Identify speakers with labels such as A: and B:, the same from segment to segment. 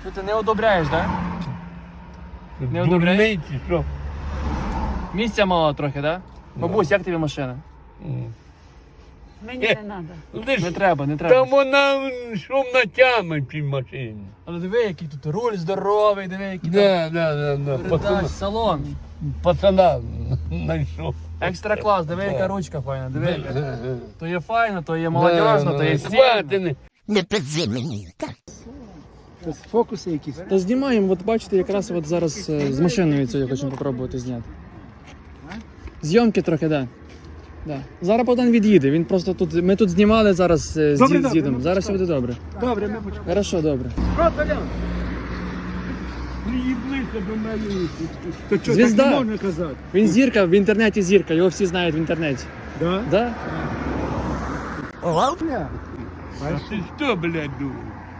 A: Що ти не одобряєш, так? Да? Не одобряєш?
B: Дурниці, що?
A: Місця мало трохи, так? Да? Бабусь, як тобі машина?
C: Мені не треба.
A: Не треба, не треба.
B: Та вона що натяме в цій машині.
A: Але диви, який тут руль здоровий, диви, який
B: Да.
A: там передач, салон.
B: Пацана знайшов.
A: Екстра клас, диви, яка ручка файна, диви. Яка. То є файно, то є молодіжно, то є стильно.
B: Хватини.
D: Не підзи мені, так?
E: Фокуси якісь.
A: Та знімаємо, от бачите, якраз от зараз з машиною цією хочемо спробувати зняти. Зйомки трохи, так. Да. Зараз Богдан від'їде, він просто тут, ми тут знімали зараз з
E: Добре,
A: дідом,
E: добре,
A: зараз все буде добре.
E: Добре, ми почнемо.
A: Хорошо, добре.
E: Що, Толян? Приїблися до мене. То що,
A: Звізда.
E: так не можна казати?
A: Він зірка, в інтернеті зірка, його всі знають в інтернеті.
E: Да?
A: Да?
E: Ня.
B: А ти що, блядь, думав?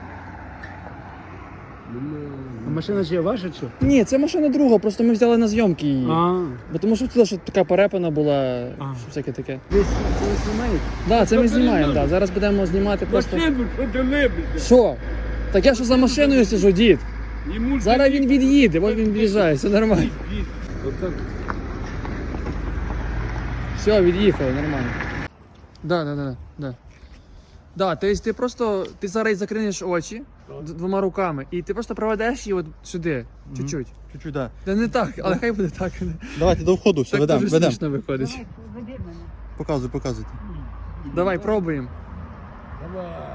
E: А машина ж є ваша, чи?
A: Ні, це машина друга, просто ми взяли на зйомки її.
E: А,
A: Бо тому що хотіли, щоб така перепана була,
E: А.
A: що всяке таке.
E: десь це знімають?
A: Да, це ми знімаємо, да. Зараз будемо знімати просто.
B: Машину, що ти либися?
A: Що? Так я що за машиною сижу, дід?
B: Йому
A: Зараз він від'їде, ось він від'їжджає, все нормально.
B: Отак.
A: Все, від'їхали, нормально. Да. Да, то есть ти просто, ти зараз закриєш очі двома руками, і ти просто проведеш її от сюди, чуть-чуть.
F: Чуть-чуть, да.
A: Та не так, але хай буде так.
F: Давайте до входу, все,
A: Так
F: ведемо,
A: дуже
F: ведемо.
A: смішно виходить.
C: Давай, веди мене.
F: Показуйте.
A: Давай, пробуємо.
B: Давай.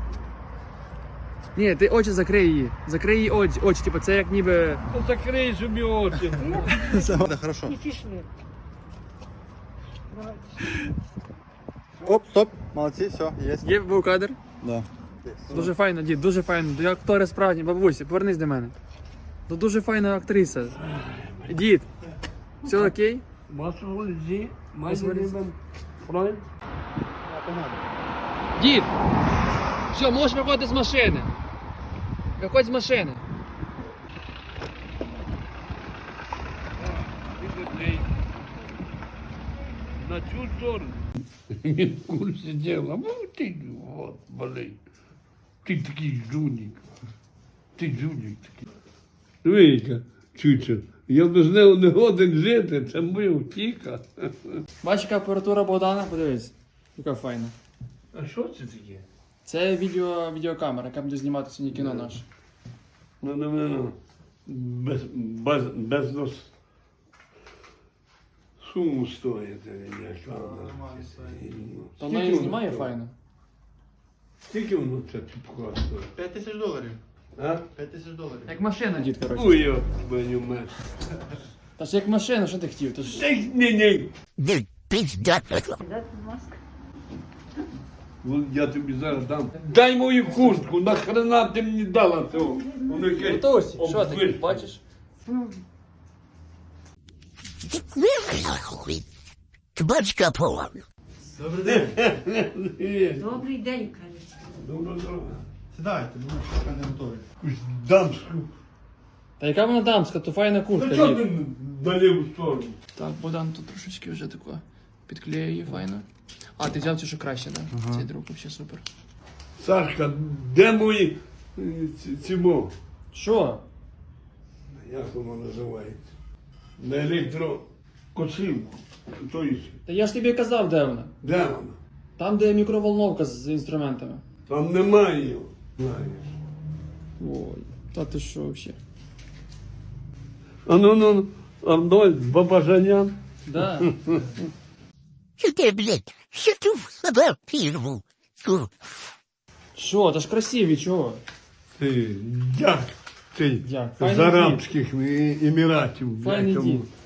A: Ні, ти очі закрий її. Закрий її очі, типу це як ніби...
B: Ну закрий собі очі.
F: Все, да, хорошо.
C: І пішли. Давай.
F: Оп, стоп, молодці, все, є.
A: Є був кадр?
F: Да.
A: Дуже файно, дід, дуже файно. Ти актори справжні, бабусі, повернись до мене. Ну дуже файна актриса. Дід, все окей?
B: Масолзі, майже Фройд.
A: Дід! Все, можеш виходити з машини. Виходь з машини.
B: На цю сторону. Він в курсі діла. Ну ти, от, болей. Ти такий жунік. Ти жунік такий. Дивіться, чучо, я без нього не годен жити, це моя втіка.
A: Бачиш, яка апаратура Богдана? Подивись. Яка файна.
B: А що це таке?
A: Це відеокамера, яка буде знімати сьогодні кіно наше.
B: Ну. Без нас суму стоїть.
A: Та вона і знімає файно.
B: Скільки воно це типко стоїть?
F: $5000.
B: А?
F: $5000.
A: Як машина, дід, коротше.
B: Ой, я баню мать.
A: Та ж як машина, що ти хотів? Та ж...
B: Ні.
D: Не пізда.
C: Дати маску.
B: Я тобі зараз дам. Дай мою куртку, нахрена ти мені дала цього? Воно якесь
A: Готовся? Що ти,
B: обвисне.
A: бачиш?
D: Бачка пола.
C: Добрий день, кажуть.
B: Добре.
F: Сідайте, ну, поки не готові.
B: Якусь дамську.
A: Та яка вона дамська, то файна куртка,
B: Ну чого
A: дід.
B: ти на ліву сторону?
A: Так, Богдан тут трошечки вже тако підклеює її файно. А, ти взяв цю, що краще, так? Да? Цей друг взагалі супер.
B: Сашка, де мої цімо?
A: Що?
B: Як воно називається? На електрокосилку. То є.
A: Та я ж тобі казав, де вона.
B: Де вона?
A: Там, де мікроволновка з інструментами.
B: Там немає його. Знаєш.
A: Ой, та ти що взагалі?
B: А ну, Арнольд Бабажанян.
A: Да.
D: Що ти, блядь, що ти в себе пірву?
A: Що, та ж красиві, чого?
B: Ти як? Ти
A: Як?
B: з
A: Файний
B: Арабських Еміратів.
A: Файний
B: блядь,
A: дід.
B: тому.